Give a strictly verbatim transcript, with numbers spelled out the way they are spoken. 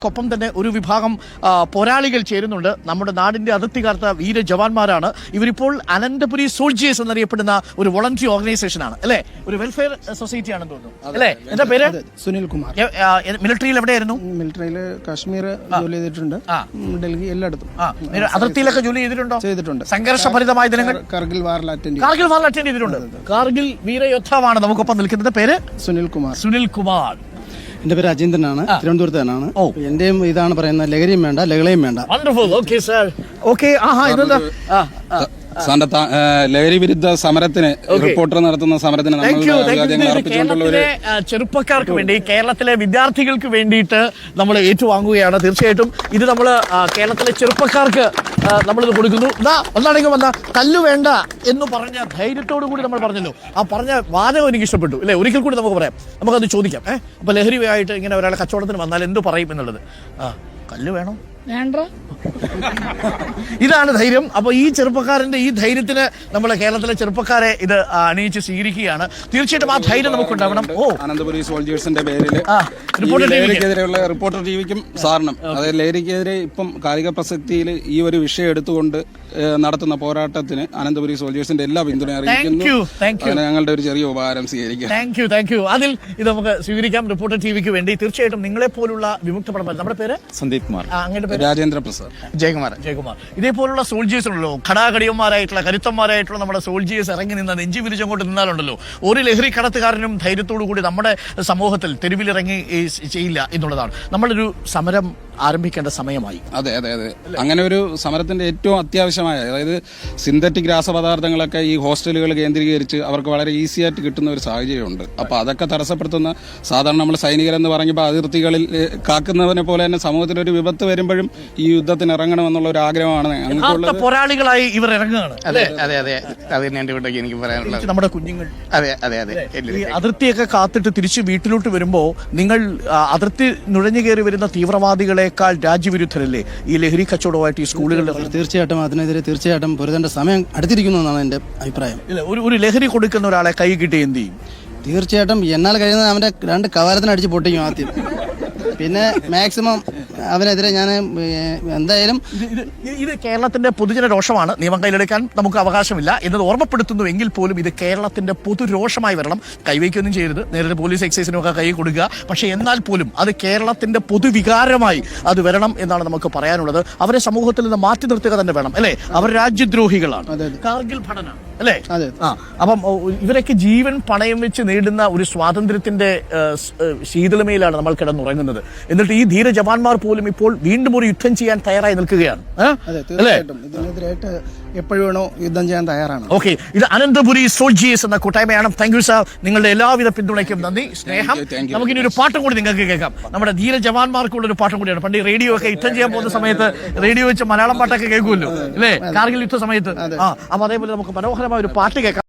ഒപ്പം തന്നെ ഒരു വിഭാഗം പോരാളികൾ ചേരുന്നുണ്ട്. നമ്മുടെ നാടിന്റെ അതിർത്തി കാത്ത വീര ജവാന്മാരാണ് ഇവരിപ്പോൾ. അനന്തപുരി സോൾജിയേഴ്സ് എന്നറിയപ്പെടുന്ന ഒരു വോളണ്ടറി ഓർഗനൈസേഷൻ ആണ് അല്ലെ, ഒരു വെൽഫെയർ സൊസൈറ്റി ആണെന്ന് തോന്നുന്നു അല്ലെ. എന്താ പേര്? സുനിൽ കുമാർ. മിലിറ്ററിയിൽ എവിടെയായിരുന്നു? മിലിറ്ററിയിൽ കാശ്മീർ ജോലി ചെയ്തിട്ടുണ്ട്, ഡൽഹി എല്ലായിടത്തും. അതിർത്തിയിലൊക്കെ ജോലി ചെയ്തിട്ടുണ്ടോ? ചെയ്തിട്ടുണ്ട്. സംഘർഷഭരിതമായ ദിനങ്ങൾ കാർഗിൽ വാറിൽ അറ്റൻഡ് കാർഗിൽ വാറിൽ അറ്റൻഡ് ചെയ്തിട്ടുണ്ട്. കാർഗിൽ വീരയോദ്ധാവാണ് നമുക്കൊപ്പം നിൽക്കുന്നത്. പേര്? സുനിൽ കുമാർ. സുനിൽ കുമാർ. എന്റെ പേര് അജീന്ദ്രനാണ്, തിരുവനന്തപുരത്ത് തന്നെയാണ്. എന്റെയും ഇതാണ് പറയുന്നത്, ലഹരിയും വേണ്ട ലഹളയും വേണ്ട. ലഹരി വിരുദ്ധ സമരത്തിന് റിപ്പോർട്ടർ നടത്തുന്ന സമരത്തിന് ചെറുപ്പക്കാർക്ക് വേണ്ടി, കേരളത്തിലെ വിദ്യാർത്ഥികൾക്ക് വേണ്ടിയിട്ട് നമ്മൾ ഏറ്റുവാങ്ങുകയാണ്. തീർച്ചയായിട്ടും ഇത് നമ്മൾ കേരളത്തിലെ ചെറുപ്പക്കാർക്ക് നമ്മളിത് കൊടുക്കുന്നു. ഇതാ ഒന്നാണെങ്കിൽ വന്ന കല്ല് വേണ്ട എന്ന് പറഞ്ഞ ധൈര്യത്തോടു കൂടി നമ്മൾ പറഞ്ഞല്ലോ. ആ പറഞ്ഞ വാദം എനിക്ക് ഇഷ്ടപ്പെട്ടു അല്ലെ. ഒരിക്കൽ കൂടി നമുക്ക് പറയാം, നമുക്കത് ചോദിക്കാം. ഏഹ് അപ്പൊ ലഹരിയായിട്ട് ഇങ്ങനെ ഒരാളെ കച്ചവടത്തിന് വന്നാൽ എന്ത് പറയും എന്നുള്ളത്. ആ കല്ല് വേണം വേണ്ട, ഇതാണ് ധൈര്യം. അപ്പൊ ഈ ചെറുപ്പക്കാരന്റെ ഈ ധൈര്യത്തിന് നമ്മളെ കേരളത്തിലെ ചെറുപ്പക്കാരെ ഇത് അണിയിച്ച് സ്വീകരിക്കുകയാണ്. തീർച്ചയായിട്ടും ആ ധൈര്യം നമുക്കുണ്ടാവണം. ഓ അനന്തപുരി സോൾജിയേഴ്സിന്റെ പേരിൽ ലഹരിക്കെതിരെയുള്ള റിപ്പോർട്ടർ ടിവിക്കും സാറിനും, അതായത് ലഹരിക്കെതിരെ ഇപ്പം കാലിക പ്രസക്തിയിൽ ഈ ഒരു വിഷയം എടുത്തുകൊണ്ട് നടത്തുന്ന പോരാട്ടത്തിന് അനന്തപുരി സോൾജിയേഴ്സിന്റെ എല്ലാ പിന്തുണ അറിയിക്കുന്നു. ഞങ്ങളുടെ ഒരു ചെറിയ ഉപകാരം സ്വീകരിക്കാം. താങ്ക് യു താങ്ക് യു അതിൽ ഇത് നമുക്ക് സ്വീകരിക്കാം റിപ്പോർട്ടർ ടിവിക്ക് വേണ്ടി. തീർച്ചയായിട്ടും നിങ്ങളെ പോലുള്ള വിമുക്ത പടം. നമ്മുടെ പേര്? സന്ദീപ് കുമാർ. അങ്ങനെ രാജേന്ദ്ര പ്രസാദ്. ജയകുമാർ. ജയകുമാർ. ഇതേപോലുള്ള സോൾജിയേഴ്സ് ഉണ്ടല്ലോ, ഘടാഘടിയന്മാരായിട്ടുള്ള കരുത്തന്മാരായിട്ടുള്ള നമ്മുടെ സോൾജിയേഴ്സ് ഇറങ്ങി നിന്ന നെഞ്ചി വിരിച്ചങ്ങോട്ട് നിന്നാലുണ്ടല്ലോ ഒരു ലഹരി കടത്തുകാരനും ധൈര്യത്തോടു കൂടി നമ്മുടെ സമൂഹത്തിൽ തെരുവിലിറങ്ങി ചെയ്യില്ല എന്നുള്ളതാണ്. നമ്മളൊരു സമരം ആരംഭിക്കേണ്ട സമയമായി. അതെ അതെ അതെ അങ്ങനെ ഒരു സമരത്തിന്റെ ഏറ്റവും അത്യാവശ്യമായ, അതായത് സിന്തറ്റിക് രാസപദാർത്ഥങ്ങളൊക്കെ ഈ ഹോസ്റ്റലുകൾ കേന്ദ്രീകരിച്ച് അവർക്ക് വളരെ ഈസി ആയിട്ട് കിട്ടുന്ന ഒരു സാഹചര്യമുണ്ട്. അപ്പൊ അതൊക്കെ തടസ്സപ്പെടുത്തുന്ന, സാധാരണ നമ്മൾ സൈനികരെന്ന് പറയുമ്പോൾ അതിർത്തികളിൽ കാക്കുന്നവനെ പോലെ തന്നെ സമൂഹത്തിൽ ഒരു വിപത്ത് വരുമ്പോഴും ഈ യുദ്ധത്തിന് ഇറങ്ങണമെന്നുള്ള ഒരു ആഗ്രഹമാണ് ഞങ്ങൾക്കുള്ളത്. പോരാളികളായി ഇവർ ഇറങ്ങുകയാണ്. അതെ അതെ അതെ അത് തന്നെ എന്റെ വീട്ടിലേക്ക് എനിക്ക് പറയാനുള്ളത്. നമ്മുടെ കുഞ്ഞുങ്ങൾ അതെ അതെ അതെ അതിർത്തിയൊക്കെ കാത്തിട്ട് തിരിച്ച് വീട്ടിലോട്ട് വരുമ്പോ നിങ്ങൾ അതിർത്തി നുഴഞ്ഞു കയറി വരുന്ന തീവ്രവാദികളെക്കാൾ രാജ്യവിരുദ്ധരല്ലേ ഈ ലഹരി കച്ചവടമായിട്ട് ഈ സ്കൂളുകളിൽ? തീർച്ചയായിട്ടും അതിനെതിരെ തീർച്ചയായിട്ടും പൊരുതേണ്ട സമയം അടുത്തിരിക്കുന്നു എന്നാണ് എന്റെ അഭിപ്രായം. ഒരു ഒരു ലഹരി കൊടുക്കുന്ന ഒരാളെ കൈ കിട്ടി എന്ത് ചെയ്യും? തീർച്ചയായിട്ടും എന്നാൽ കഴിയുന്നത് അവന്റെ രണ്ട് കവാലത്തിന് അടിച്ച് പൊട്ടിക്കും ആദ്യം. പിന്നെ മാക്സിമം അവനെതിരെ ഞാൻ എന്തായാലും. ഇത് കേരളത്തിന്റെ പൊതുജന രോഷമാണ്. നിയമം കയ്യിലെടുക്കാൻ നമുക്ക് അവകാശമില്ല എന്നത് ഓർമ്മപ്പെടുത്തുന്നു. എങ്കിൽ പോലും ഇത് കേരളത്തിന്റെ പൊതുരോഷമായി വരണം. കൈവയ്ക്കൊന്നും ചെയ്യരുത്, നേരത്തെ പോലീസ് എക്സൈസിനും ഒക്കെ കൈ കൊടുക്കുക. പക്ഷെ എന്നാൽ പോലും അത് കേരളത്തിന്റെ പൊതുവികാരമായി അത് വരണം എന്നാണ് നമുക്ക് പറയാനുള്ളത്. അവരെ സമൂഹത്തിൽ നിന്ന് മാറ്റി നിർത്തുക തന്നെ വേണം അല്ലെ. അവർ രാജ്യദ്രോഹികളാണ്. കാർഗിൽ പഠന അല്ലേ. ആ അപ്പം ഇവരൊക്കെ ജീവൻ പണയം വെച്ച് നേടുന്ന ഒരു സ്വാതന്ത്ര്യത്തിന്റെ ശീതളമയിലാണ് നമ്മൾ കിടന്നുറങ്ങുന്നത്. എന്നിട്ട് ഈ ധീര ജവാന്മാർ പോലും ഇപ്പോൾ വീണ്ടും ഒരു യുദ്ധം ചെയ്യാൻ തയ്യാറായി നിൽക്കുകയാണ്. ഇതിനെതിരായിട്ട് എപ്പോഴും വേണോ യുദ്ധം ചെയ്യാൻ തയ്യാറാണ്. ഓക്കെ, ഇത് അനന്തപുരി സോൾജിയേഴ്സ് എന്ന കൂട്ടായ്മയാണ്. താങ്ക് യു സാർ, നിങ്ങളുടെ എല്ലാവിധ പിന്തുണയ്ക്കും നന്ദി, സ്നേഹം. നമുക്കിനി ഒരു പാട്ടും കൂടി നിങ്ങൾക്ക് കേൾക്കാം. നമ്മുടെ ധീര ജവാന്മാർക്കുള്ള ഒരു പാട്ടും കൂടിയാണ്. പണ്ട് റേഡിയോ ഒക്കെ യുദ്ധം ചെയ്യാൻ പോകുന്ന സമയത്ത് റേഡിയോ വെച്ച് മലയാളം പാട്ടൊക്കെ കേൾക്കുമല്ലോ അല്ലേ, കാർഗിൽ യുദ്ധ സമയത്ത്. ആ അപ്പൊ അതേപോലെ നമുക്ക് മനോഹരമായ ഒരു പാട്ട് കേൾക്കാം.